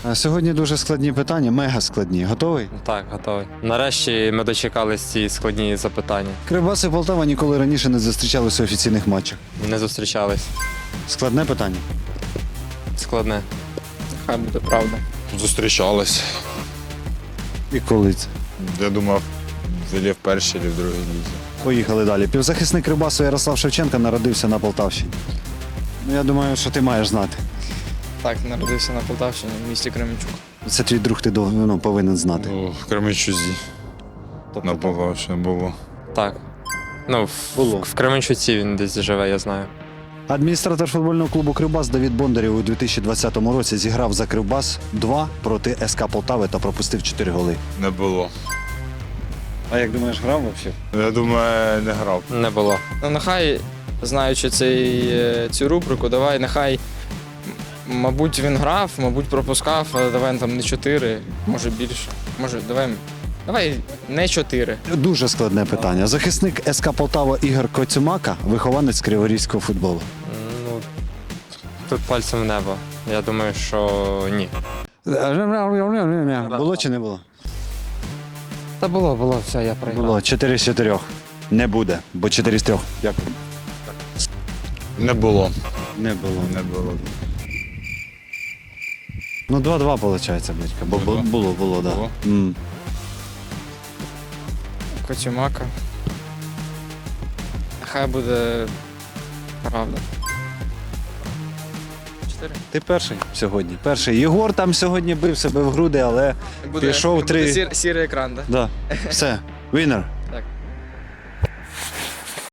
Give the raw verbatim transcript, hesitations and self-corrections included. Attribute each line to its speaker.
Speaker 1: А сьогодні дуже складні питання, мега складні. Готовий?
Speaker 2: Так, готовий. Нарешті ми дочекались ці складні запитання.
Speaker 1: Кривбас і Полтава ніколи раніше не зустрічалися у офіційних матчах.
Speaker 2: Не зустрічались.
Speaker 1: Складне питання.
Speaker 2: Складне.
Speaker 3: Хай буде правда.
Speaker 4: Зустрічались.
Speaker 1: І коли це?
Speaker 4: Я думав, взагалі в першій чи в другій лізі.
Speaker 1: Поїхали далі. Півзахисник Кривбасу Ярослав Шевченко народився на Полтавщині. Ну, я думаю, що ти маєш знати.
Speaker 3: Так, народився на Полтавщині, в місті Кременчук.
Speaker 1: Це твій друг, ти дов- ну, повинен знати.
Speaker 4: Ну, в Кременчузі.
Speaker 1: Тобто
Speaker 4: На Полтавщині було.
Speaker 2: Так. Ну, в,
Speaker 1: Було.
Speaker 2: в Кременчуці він десь живе, я знаю.
Speaker 1: Адміністратор футбольного клубу «Кривбас» Давід Бондарєв у дві тисячі двадцятому році зіграв за «Кривбас» два проти СК Полтави та пропустив чотири голи.
Speaker 4: Не було.
Speaker 1: А як думаєш, грав взагалі?
Speaker 4: Я думаю, не грав.
Speaker 2: Не було.
Speaker 3: Ну, нехай, знаючи цей, е, цю рубрику, давай, нехай, м- мабуть, він грав, мабуть, пропускав, але давай там не чотири, може більше. Може, давай, давай не чотири.
Speaker 1: Дуже складне питання. Захисник СК Полтава Ігор Коцюмака – вихованець криворізького футболу.
Speaker 2: Ну, тут пальцем в небо. Я думаю, що ні.
Speaker 1: Було чи не було?
Speaker 3: Та було, було, все, я проіграв.
Speaker 1: Було. Чотири з чотирьох. Не буде, бо чотири з трьох. Дякую.
Speaker 4: Не було.
Speaker 1: Не було.
Speaker 4: Не було.
Speaker 1: Ну, два-два, виходить, батька. Бо бу-
Speaker 4: Було.
Speaker 1: було, було, так.
Speaker 4: Було.
Speaker 1: Да. М.
Speaker 3: Коцюмака. Нехай буде правда. Чотири.
Speaker 1: Ти перший сьогодні. Перший. Єгор там сьогодні бив себе в груди, але
Speaker 3: Буде,
Speaker 1: Пішов
Speaker 3: буде
Speaker 1: три.
Speaker 3: сір- сірий екран, так?
Speaker 1: да. Все. Вінер.